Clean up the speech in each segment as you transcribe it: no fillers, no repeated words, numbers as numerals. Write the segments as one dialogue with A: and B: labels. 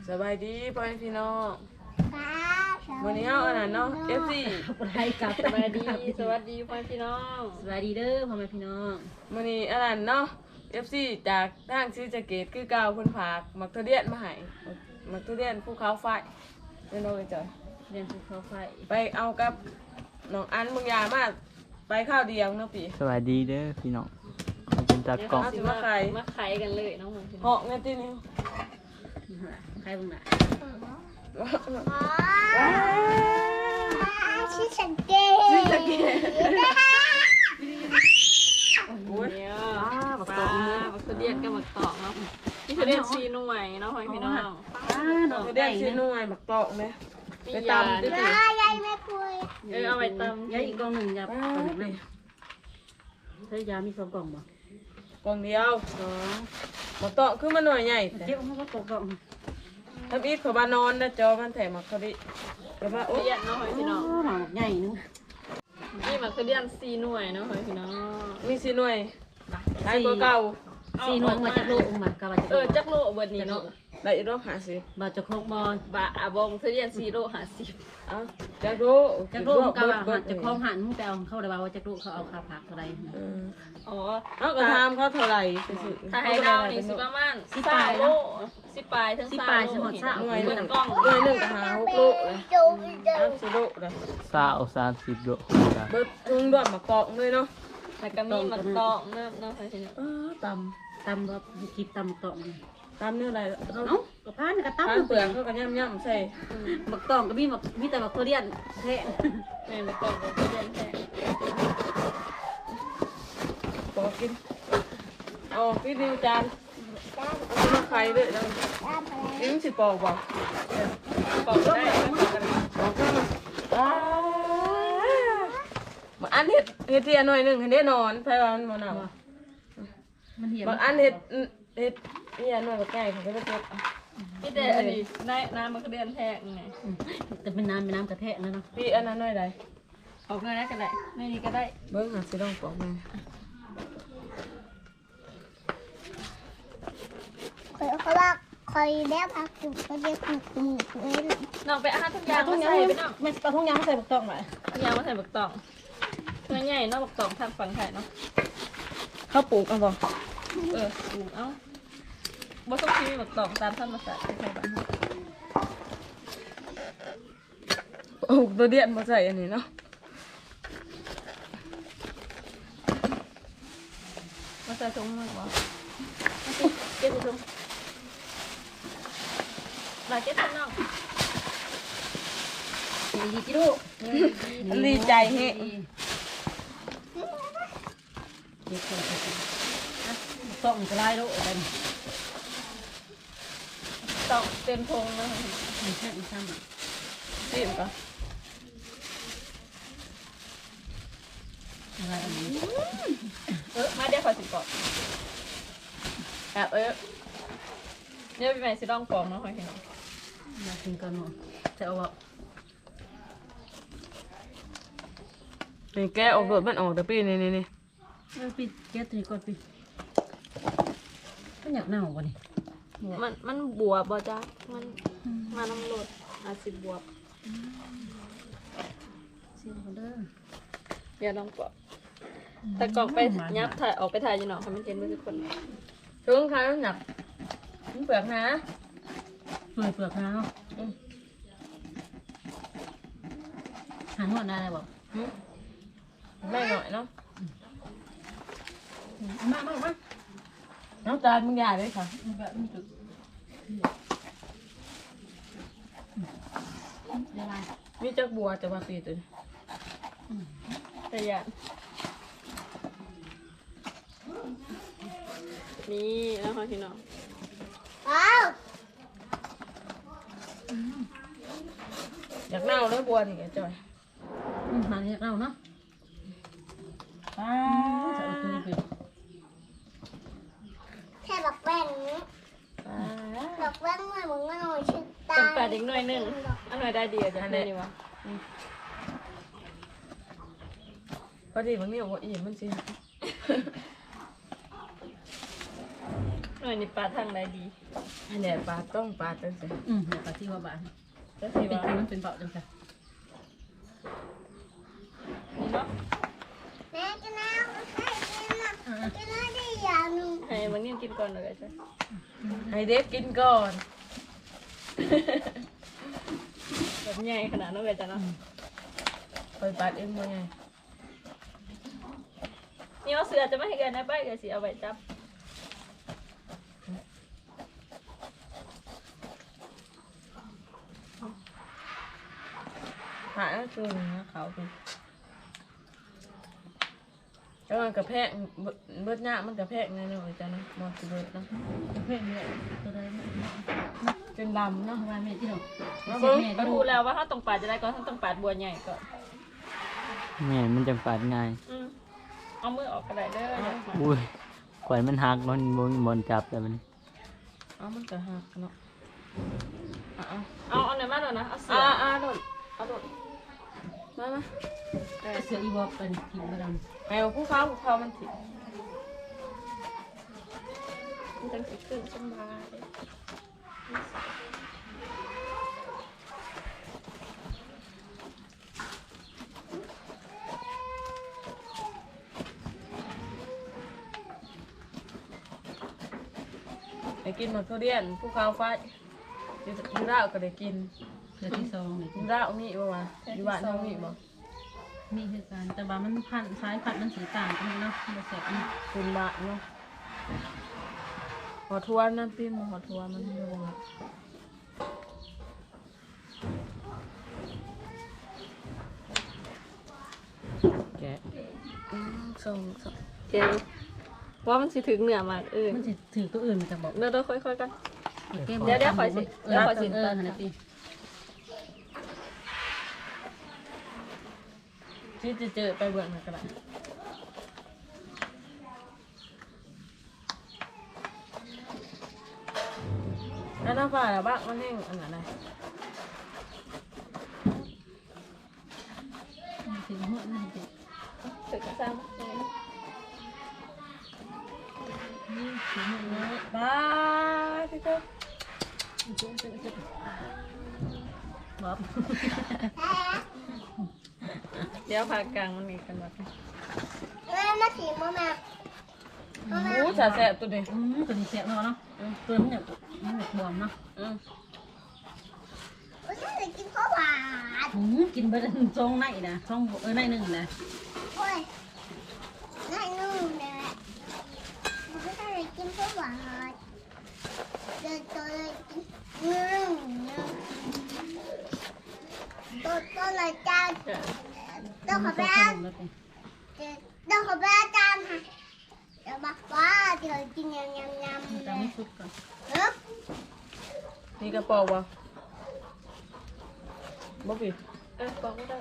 A: สบายดีพ่อพี่น้องวันนี้เอาอันนั้นเนาะ FC
B: ไทยกับสวัสดีสวัสดีพ่อพี่น้องสวัสดีเด้อพ่อแม่พี่น้อง
A: วันนี้อันนั้นเนาะ FC จากทางซีสะเกตคือเก่าเพิ่นฝากมักทุเรียนมาให้มักทุเรียนภูเขาไฟเป็นโดยจ้ะ
B: เรียนภูเขาไฟ
A: ไปเอากับน้องอันบางอย่างมาไปข้าวเดียวเนาะพี่
C: สวัสดีเด้อพี่น้องขอบคุณจากกล่อง
B: มาไข่กันเลยน้องพี่น้
A: เหาะเงี้ยที่นี่
B: ไข่บ้างล่ะ
D: ชื่อสังเกต
A: ซีสะเกต
B: โอ้ยบักตองบักเดียนกับบักตองเนาะนี่คือเดียนซีนุ่ยเนาะพ่อพี่น้อง
A: น้องเรียนซีนุ่ยมักตอกเลยไปตำดิ
D: ยายแม่คุย
B: เอาไปตำ
E: ยาอีกกล่องหนึ่งยา
A: ป้า
E: ตอน
A: ดิ
E: นี้ใช้ยามี2กล่องบ่
A: กล่องเดียวมักตอกคือมันหน่อยใหญ่แต่
E: เจ็บมันก็ตกกล่อง
A: ทำอีกเขาบ้านนอนนะจอมันแถมมาเขาดิแต่ว่าโอ้
B: เดียนเนาะพ่อพี่น้อง
E: หมาใหญ่นึง
B: นี่มันคือเดียนซีนุ่ยเนาะพ่อพี่น้อง
A: มีสีหน่วยใช้ตัวเก่า
E: 4หน่วยมาจากโลกมากะว่าจะ
B: จักโลเบิดนี้เนาะ
A: ได้อีกรอบ50
E: บ่จะครบบ่
B: บะบงคือเดียนซีโล50
A: เอาจะโร
E: จากโลกกะว่าจะครบหันมึงแต่เอาเข้าได้ว่าจากโลกเขาเอาค่าผักเท่าใด
B: อ๋อ
A: เอากระทำเขาเท่าไหร่
B: ถ้าให้ดาวนี่สิประมาณ3โล10ปลายถึง3โลหน่วย1กล่อง
A: หน่วยหนึ่งก็หา6 ลูกเลย
D: จูจู
A: 30 ลูกเลย
C: 30โล
A: เบิดทุ่งด้วยมะกอกเลยเนาะ
B: แล้วก็มีมันตองเนาะพ่อพี่น้อง
A: ต
E: ตำบ่คิดตำตอง
A: ำตำเนี่ยอะไร
E: เอ้าก็พานก็
A: ทาน
E: ตำ
A: เปลือกเขาก็ย่ำใส่
E: บักตองก็มีแต่บักทุเรียนแท้
B: แม่มันตองก็เดียนแท้
A: ปอกกินเอาพี่ดิวจานเอามาไข่ด้วยแล้วนี่มันสิปอกบ่
B: ปอกได้
A: ปอกก็มาอันเห็ดเทียหน่อยหนึ่งเห็ดนอนไฟว่ามันบ่หนาว
E: มันเหี่ยว
A: บางอันเห็ดเทียหน่อยกับไก่เขาก็จะเก็บ
B: พี่แต่อันนี้ได้น้ำมันก็เดียนแท้ไง
E: แต่เป็นน้ำกระแทะนะเนาะ
A: พี่อันนั้นหน่อยใด
B: ออกเงินได้ก็ได้ไม่นี่ก็ได้
A: เบิ้งหาสิลองปอกมา
D: เขาบอกคอยแล้วพักอยู่เขาเรียกคุณเลย
B: น้องไปอาหารทุกอย่างมาใส่ไปน้อง
E: ไม่ปลาทุ่งยางใส่บักตองหน่อย
B: ทุกอย่างมาใส่บักตองเพื่อใหญ่เนาะบักตองทางฝั่งไทยเนาะ
A: เขาปลูกเอาบ่
B: ปลูกเอ้าบ่ต้องคิดบักตองตามธรรมชาติใช่บ้าน
A: ปลูกตัวเดียนมาใส่อันนี้เนาะ
B: มาใส่ถุงมั้งบ่เก็บถุงมาเก็บถุงน้อง
E: ดีจิลูก
A: ดีใจเฮะ
E: ต้องจะไล่ลูกกัน
B: ตองเต็มถุงนะ
E: มันแค่มันซ้ำอ่ะ
A: ซีมก่อน
E: อะไรอันนี้
B: มาเดี๋ยวขอสิปอก
A: แอบ
B: เนี่ยพี่ใหม่สิลองปอกเนาะให้น้อง
E: อยากกินก่อนเนาะจะเอา
A: นี่แกออกโดดมันออกแต่ปีนี่
E: ปิดแก๊สตัวนี้ก่อนปิดมันอยากเน่าวะนี่
B: มันบวบบ่จ้ามันมาน้ำรดอาจสิบวบ
E: เสียงคนเด้อ
B: เดี๋ยวลองปอกแต่กล่องไปยับถ่ายออกไปถ่ายอยู่เนาะให้มันเห็นมือทุกคน
A: ถึงค่ะหนักเปลือกนะ
E: เปลือกนะเนาะหานวดได้เลยบอก
A: ไม่หน่อยเนาะ
E: มา
A: น้ำตาลมึงใหญ่เลยค่ะ
E: เดี๋ยวไล่
A: มีจักบัวแต่ว่าปีตัว
B: แต่ยันนี่แล้วค่ะพี่น้อง
D: อ้าว
A: อยากเน่าเลยบัวนี่แกจอย
E: มาเรียกเราเนาะ
A: ป้า
E: จะเอาตัวนี้ไป
D: แค่บอกแป้ง
A: ป้า
D: บอกแป้งเมื่อมึงไม่หน่อยชื่อตา
B: เป็นแปดอีกหน่อยหนึงอันหน่อยได้ดีอ่ะจ้ะนี่วะ
A: พอดีบางนี่บอกว่าอีมันสิ
B: หน่อยนี่ปลาทางใดดี
A: อันเนี้ยปลาต้องปลาตั้งแต่
E: เดี๋ยวปฏิว่าบ้าน
A: ก็
E: เป็
A: สิ
E: น
A: ว่า
E: มันเป็นเบาจังค่ะ
B: นี่เนาะ
D: แม่กินน้ำกินน้ำได้อย่างหนึง
B: ให้มันนี่กินก่อนเลยจ้ะ
A: ให้เด็กกินก่อน
B: แบบใหญ่ขนาดนั้นเลยจ้ะเนาะ
A: คอยปัดเองบ่ไง
B: นี่ว่าเสือจะไม่ให้เกินนะป้าเกิดสิเอาไว้จับ
A: หาตัวนึงนะเขาคือแล้วมันกระแพกเบิดหน้ามันกระแพกแน่นอนจ้ะเนาะมอสเบิดเนาะ
E: เพื่อนเนี่ยตัวใด
A: จนดำเนาะ
E: ว่าแม่ที่เรา
A: มา
E: เสี
A: เบิ่
E: ย
A: ง
E: แม่
B: ก็
E: ก็
B: ดู
E: ดู
B: แล้วว่าถ้าตรงปาดจะได้ก็ถ้าตรงปาดบัวใหญ่ก็
C: แม่มันจังปาดง่าย
B: เอามือออกกระไดเด้อ
C: อุ้ยข่อยมันหักมันบ่มีบอลจับแต่มัน
A: เอามันกระหักเนาะเอา
B: เอาไหนมาหน่อยนะเอาเสือ
A: โดดเอาโดดมา
E: เสืออีวอเป็นทีมบ้าน
A: ให้ผู้เขามันถิ
B: มันจังสิขึ้นสบาย
A: ได้กินหมดทุเรียนผู้เขาไฟอยู่ราวก็ได้กิน
E: เสือที่สองนี่
A: อยู่ราวมีบ่วะอยู่บ้านเฮามีบ่
E: มีคือการแต่ว่ามันพันซ้ายพันมันสีต่างกันเนาะมันแสบนี่
A: คุณบ้านเนาะหัวทัวนั่นพี่มหัวทัวมันอยู่บ่
C: แกะ
A: ส่ง
B: เจ๊ว่ามันสิถึงเหนือมาก
E: มันจะถือตัวอื่นมันจะบอก
B: เดี๋ยวค่อยๆกัน
E: เดี๋
B: เดี๋ยวขอสิ
E: เดี๋ยวขอสินะพี่
A: ที่จะเจอไปเบิ่งกันละแล้วน้ำปลาละบ้างมันแห้งอันไหน
E: ถึงหัวนั่นสิ
B: ถึงกระซ้ำ
A: บ้าที่เจ้า
E: บ๊อบ
B: เดี๋ยวผ่ากลางมันมีกันแบบ
D: แม่มาถีบมาแม่
A: โอ้จ่าแสบตัวนี้
E: ตัวนี้เสียบเนาะตัวนี้เนี่ยมันบวมเนาะ
D: โอ้ยฉันจะกินข้าวหวาน
E: กินไปซองไหนนะซองไหนหนึ่งนะ
D: โอ้ยง่ายนุ่มเลยมันก็จะกินข้าวหวานเดินตัวเลยกินตัวเลยจานต้องขอไปอาต้องขอไปอาจารย์ค่ะเดี๋ยวบอกว่าเดี๋ยวกินยำเล
E: จะ
D: ย
E: ไม่สุดก่อน
A: นี่กระป๋องบ่บ่ผิด
B: บอกไม่ได้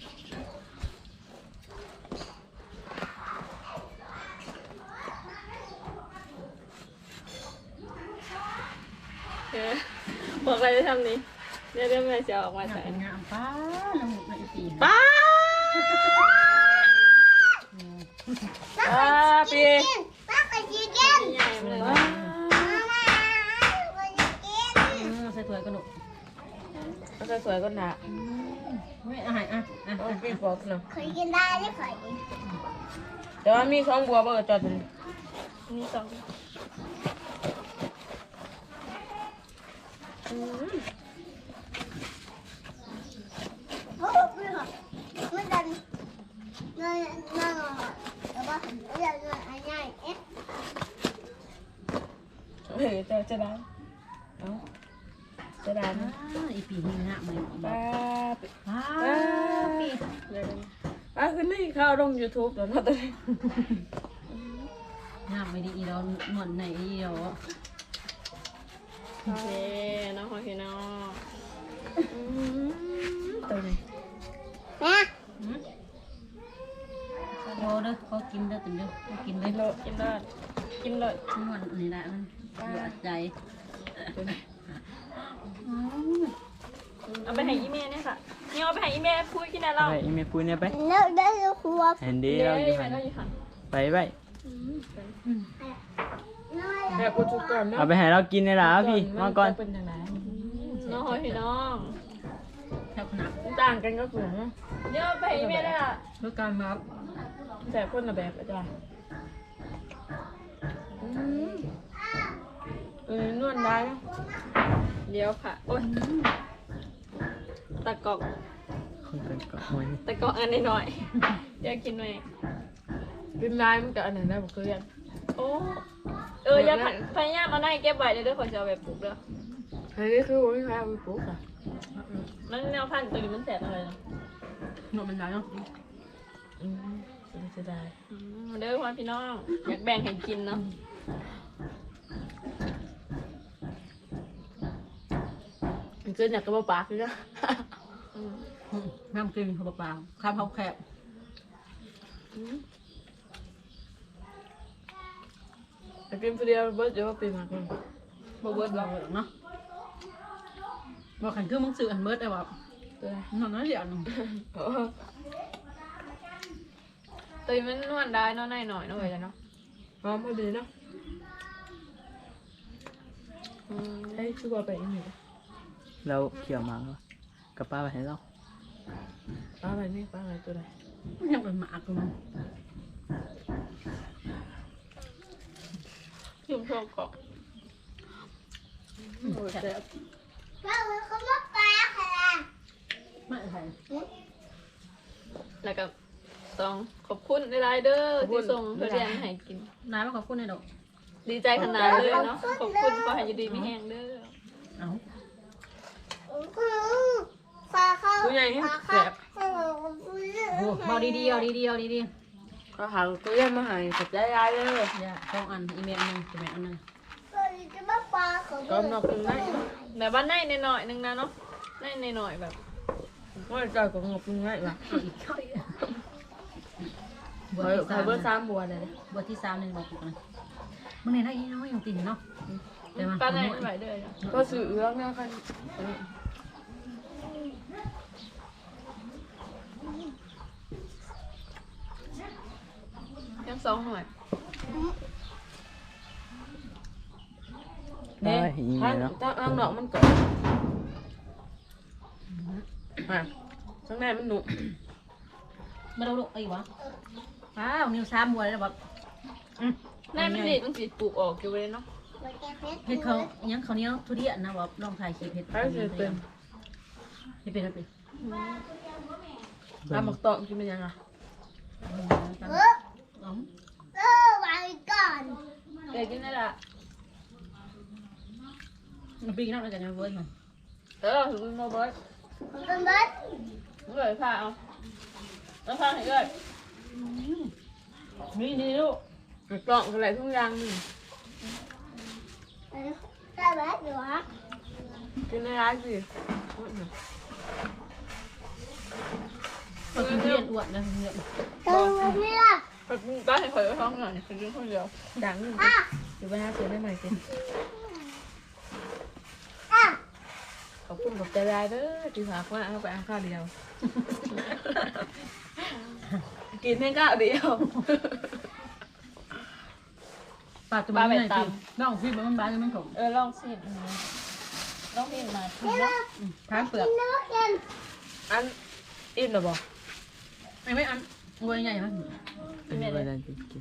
B: บอกอะไรจะทำนี้เดี๋ยวแม่จะออกมาใส่
E: เป็นงามป้าละมุนในปี
A: ป้าปี
D: ป้าไปกินกิน
B: ใหญ่เลย
D: มาไปกิน
E: ใส่ถ้วยกระหนุก
A: มันสวยๆก็หนา
E: ไม่อาหารอ่ะ
A: โอ้ปีกบอกเนาะ
D: เคยกินได้ไม่เคย
A: แต่ว่ามีของบัวเบอร์จอดอยู่
B: นี่สอง
D: โอ้ไม่หรอกไม่ดันนั่นแต่ว่าเรื่องอะไรง่ายเอ๊ะ
A: เฮ้ยจะได้เอาจะได้นะ
E: อีปีนี้นะมัน
A: ป้า
E: ป้าปี
A: ป้าขึ้นนี่เข้าลง YouTube แล้วเนาะตอนนี้
E: งามไม่ดีอีเราหนวดไหนอีเรา
B: โอเคน้องโอเคน้อง
A: ตัวนี้
D: แม่
E: โอ้เด้อเขากินเด้อตึงเด้อเขากินเลย
B: กินได้กินเลย
E: นวดนี่แหละมันปวดใจ
B: เอาไปให้อีเมลเนี่ยค่ะนี่เอาไปให้อีเมลพูดกินอะไรเรา
C: ไปอีเมปุ้ยเนี่ยไป
D: เลิกได้แล้วครัว
C: เห็นดี
B: เดี๋ยว
C: เราอ
B: อี
C: ยู่
B: เม
C: หั
B: ล
C: น
B: เราอยู่ค่ะ
C: ไปไว้
D: น้อย
A: แบบกูจุกก่อนเนาะ
C: เอาไปให้เรากินได้ล่ะพี่มาก่อน
A: เป็นยังไง
B: น้องพี่น้อง
E: แถวขนาด
A: ต่างกันก็คือเนาะ
B: เดี๋ยวไปให้แม่ได้ละ
E: เพื่อการมา
A: แต่คนละแบบอาจารย์นวดได้เนาะ
B: เดี๋ยวค่ะโอ้ยตะกอก
C: คนเป็นก็โอ้ย
B: ตะกอกอันน้อยๆเดี๋ยวกินหน่อย
A: กินได้มันกับอันไหนได้บอกเคย
B: โอ้อย่าพยายามเอาหน้าเก็บไว้เด้อคนจะเอาแบบปลูกเด้อ
A: เฮ้ยคือว่าไม่ใครเอาไปปลูกอ่ะ
B: มันแนวพันธุ์ตัวนี้มันแสบอะไรเนาะ
E: หนวดมันได้เนาะ
A: จะได้
B: เด้อพ่อพี่น้องอยากแบ่งให้กินเนาะ
A: มันเกินอยากกระเป๋าปากเลยนะ
E: น้ำกินเขาเปล่าข้าวเขาแคบ
A: แต่กินคนเดียวเบิร์ดเดี๋ยวว่าปีมากเลย
E: บ่เบิดเราเนาะบ่ขันคือมึงซื้ออันเบิดได้บ่
A: ตัวไหน
E: นอนน้อยเดียวนึง
B: ตัวมันนวดได้เนาะหน่อยๆเนาะเว้ยเนาะ
A: หอมพอดีเนาะให้ชื่อว่าไปอีกหนึ่ง
C: เราเขี่ยวหมากับป้าไปให้เรา
A: ป้าอะไรนี่ป้าอะไรตัวไหน
E: ยังเป็นหมากอยู่มั้ง
B: ชิมโชว์ก่อน
A: โอ้ยแซ่บ
D: เราเขามาปลาค่ะ
E: ไม่ใช่
B: แล้วก็ต้องขอบคุณหลายๆเด้อที่ส่งทุเรียนให้กิน
E: นายมาขอบคุณในดอก
B: ดีใจขนาดเลยเนาะขอบคุณขอให้อยู่ดีมีแห้งเด้อ
E: เอา
D: ปลาเขา
A: ตัวใหญ่ที่แซ่บ
E: โอ้บอกดีๆเอาดีๆเอาดี
A: ก็หาตัวใหญ่มาให้กับใจยายเลย
E: ๆอย่าสองอันอีเมลนึงอีเมลอันนึง
D: จะมาปลาเขา
A: ก็นอกกินได้
B: แบบว่าในหน่อยๆนึงนะเนาะในหน่อยๆแบบ
A: ก็จอยกับงบกินง่ายว่ะ
E: บัว
A: เฮ้ย
E: ที่
A: ใคร
E: สาม
A: เบอร์สามบัวเลย
E: บัวที่สามนี่บอกกูกันมึงเนี่ยได้ยี่น้อยยังตีนเนาะแต่มัน
B: ป้าในไม่ไหวเด้อ
A: ก็สื่อเรื่องเนี่ยกัน
B: ยังสองหน่วย
A: เนี่ยถ้าถ้าดอกมันก่อนข้างในมันหนุ
E: มาดูลูกไอ้วะว้าวนิ้วซ้ำบัวเลยแบบ
B: ในมันดีมันสีปลูกออกอยู่เลยเนาะ
E: เห็ดเขายังเขาเนี้ยทุเรียนนะแบบลองถ่ายคลิปเห็ด
A: ให้เสร็จเป็น
E: เห็ดเป็นอะไร
A: ตามหมักตอกกินเป็นยังไง
D: ไว้ก่อน
B: เดี๋ยวกินได้ละ
E: มันปีนอกแล้วกันนะเว้ยมัน
B: ถึงโมเบิร์ต
D: เป็นเบิร์ด
B: เลยผ้าเอาแล้วผ้าให้เลย
E: นี่นี่ลูก
A: หมักตอกอะไรทุกอย่างนี่
D: ได้เบิร์ดอยู่ฮะ
A: กินในร้านสิ
E: ก็กินทุเรียนอ้วนนะทุเรียน
D: ตัวนี้ล่ะ
B: ป้าให้ข่อยไว้ท้องหน่อยคือกินคนเดียว
A: ดังอยู่อยู่ไปหาซื้อได้ใหม่กิน
D: อ่ะ
A: ขอบคุณกับใจได้เด้อที่ฝากว่าเอาไปเอาข้าวเดียว กินให้ข้าวเดียว
E: ปลาตัวมันไหนกินน้องพี่มันบ้ามันผม
B: ลองสิลองพิมมาทีนะ
E: ทานเปลือก
D: กินน้ำกัน
A: อันอิ่มหรอบอก
E: ไม่อันวัวใหญ่ไหม
C: เป็นเวลาจะกิน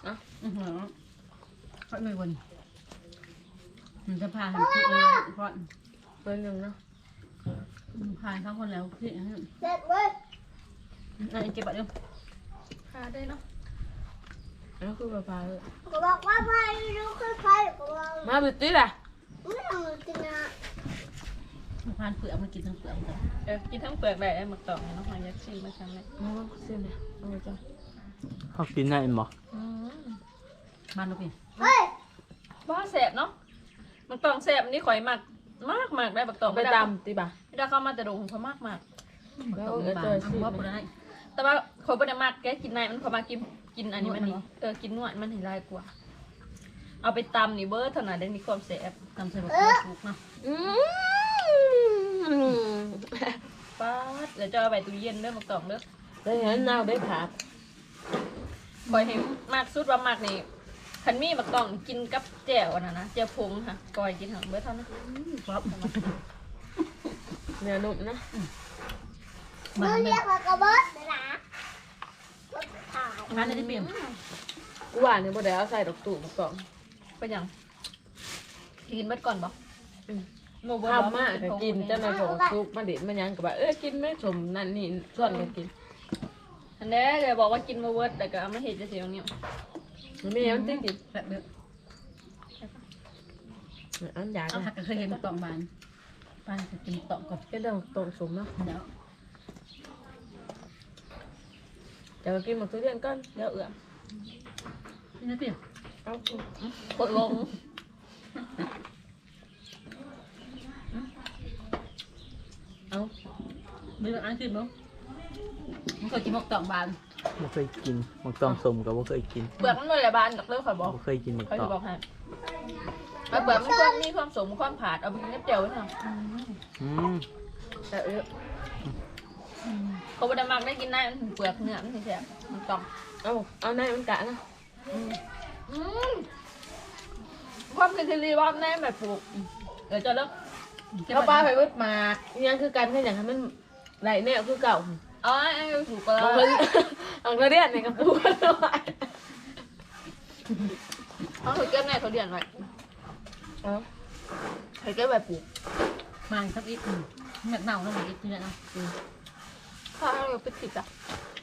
E: เขาไม่วนมันจะพาทำคลิปเลยเพราะ
A: เป็นยังเนาะ
E: พาเขาคนแล้วพี่
D: เด็กเว้ย
E: นั่นเก็บบัตรเร็ว
B: พาได้เนาะ
A: แล้วคือปลาเลย
D: ก็บอกว่าไปดูคือใครก็บอก
A: มาบิดตี้แหละ
D: ไม่ต้องกินนะ
E: พานเปลือกมันกินทั้งเปลือกกัน
B: กินทั้งเปลือกได้ไอ้หมึกตอกเนาะหอยยักษ์ชิมมาชั้นเลย
A: มาว่าเส้นเนี่ยเอาไปจ้ะ
C: เขากินได้บ่
E: บ้านลูกพี่
D: เฮ้ย
B: ว่าแสบเนาะหมึกตอกแสบนี่ข่อยมากได้หมึกตอก
A: ไปตำตีบ่า
B: ไม่ได้เข้ามาแต่ดงเขามาก
E: ตกบ้านว่าปวดได้
B: แต่ว่าเขาไม่ได้มากแกกินในมันเขามากินอันนี้มันนี่กินนวดมันเห็นลายกว่าเอาไปตำนี่เบิร์ดเท่านั้นได้มีความแสบ
E: ตำใส่บัตรถูกเนาะ
B: ป้าดเดี๋ยวจะเอาไปตู้เย็นเด้อหมึกตอกเด้อ
A: ได้เห็นนาวได้ผัก
B: คอยเห็นมากสุดว่ามากนี่คันมีบักต้องกินกับแจ่วอันนั้นนะแจ่วพงค่ะก้อยกินหังเบิดเท่านั้น
E: ครับ
A: เนื้อนุ่มนะ
E: มา
D: เรียกว่ากระเบิดเลยนะถ่าย
E: งานได้เปลี่ยน
A: กูว่าเนี่ยบ่ได้เอาใส่ดอกตู่มากล่อง
B: เป็นหยังกินเบิดก่อนบ่โมเบิด
A: ทำมากก็กินจะมาของซุปมาเด็ดมาหยังก็แบบกินไม่สมนั่นนี่ส่วนกันกิน
B: อันนี้เลยบอกว่ากินโมเบิดแต่ก็เอามาเห็ดจะเสียงเนี่ย
A: มันไม่มันติดกิน
E: แบบเดือด
A: อันอยาก
E: เอาหักก็เคยเห็นตองบานป้าจะกินตองก่อน
A: ก็ต้องตรงสมเนาะ
E: เดี๋ยว
A: จะไปกินหมดทุเรียนก่อนเดี๋ยวเอื้อม
E: นี่นะเปลี่ยน
A: เอา
B: กดลง
A: เอา
E: ไม่ต้องอ่านขึ้นมั้งมันเคยกินหมกตองบาน
C: บ่เคยกินหมกตองสมก็บ่เคยกิน
B: เปลือกมันเลยละบานกับเลิกข่อยบอก
C: บ่เคยกินหมก
B: เขา
C: ตอ
B: จะ
C: ง
B: บอกให้เปลือกมันความมีความสมความผาดเอาไปกินกับเจียวไว้ท
C: อืม
A: แต่เอื้อ
B: ำเขาบไดมักได้กินได้มันถึงเปลือกเนื้อมันถึงแซ่บมันต้อง
A: เอาในมันกะนะ
B: ความคิดที่รีว่าแน่แบบปลูกเดี๋ยวจะเลิก
A: เอาปลาไปวดมายังคือกันแค่อย่างนั้นมันไหลแนวคือเก่า
B: อ๋อไอ้ถูกก็
A: เอา
B: แล้ว
A: เอาทุเรียนในกระปุกเอาไว้
B: เขาถูกเก็บแน่เขาเรียนไว้เขาเก็บแบบปลูก
E: มาสักอีกเม็ดเน่าแล้วมันอีกทีนะ
B: ถ้าเราไปติดอ่ะ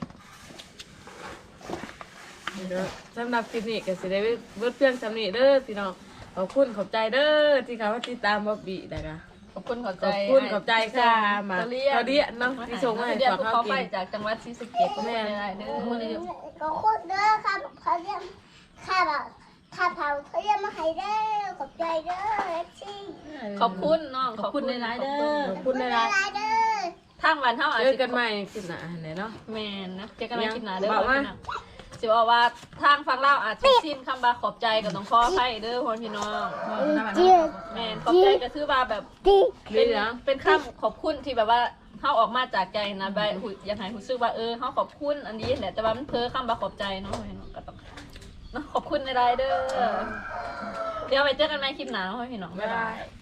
A: สำหรับคลิปนี้ก็สิได้เบิดเพียงสำนี้เด้อพี่น้องขอบคุณขอบใจเด้อที่เขามาติดตามบ๊อบบี้นะคะ
B: ขอบคุณขอบ
A: ข
B: ใจ
A: อบคุณขอบใจค่ะมา
B: เรีย
A: เขาเดียเนาะที่ส่งมาให้
B: เดีย
A: ฝาก
B: ภู
A: เขา
B: เขา
A: กิ
B: ไป
A: น
B: จากจังหวัดศรีสะเกษก็ไม่ได้เด้อ
D: ก็คนเด้อครับเขาเรียกข้าแบบข้าเผาเขาเรียกมาให้เด้อขอบใจเด้อเล็กซี่
B: ขอบคุณน้อง
E: ขอบคุณในร้ายเด้อ
A: ขอบคุณนะ
D: ลายเด้อ
B: ทางวันเท่าอาจ
A: เจอ
B: จะ
A: กันใหม่คลิปหน้าไหนเนาะ
B: แมนนะเจอกันในคลิปหน้าเด้อ
A: บอกว่า
B: สิบอกว่าทางฟังเล่าอาจจะสิ้นคำบาขอบใจกับน้องพ่อให้เด้อพ่อพี่น้องแมนขอบใจก็คือว่าแบบ
D: ดี
B: เป็นคำขอบคุณที่แบบว่าเขาออกมาจากใจนะใบอยากให้รู้สึกว่าเขาขอบคุณอันนี้แหละแต่ว่ามันเพ้อคำบาขอบใจเนาะก็ต้องเนาะขอบคุณในรายเด้อเดี๋ยวไปเจอกันในคลิปหน้าเนาะพี่น้องบ๊ายบาย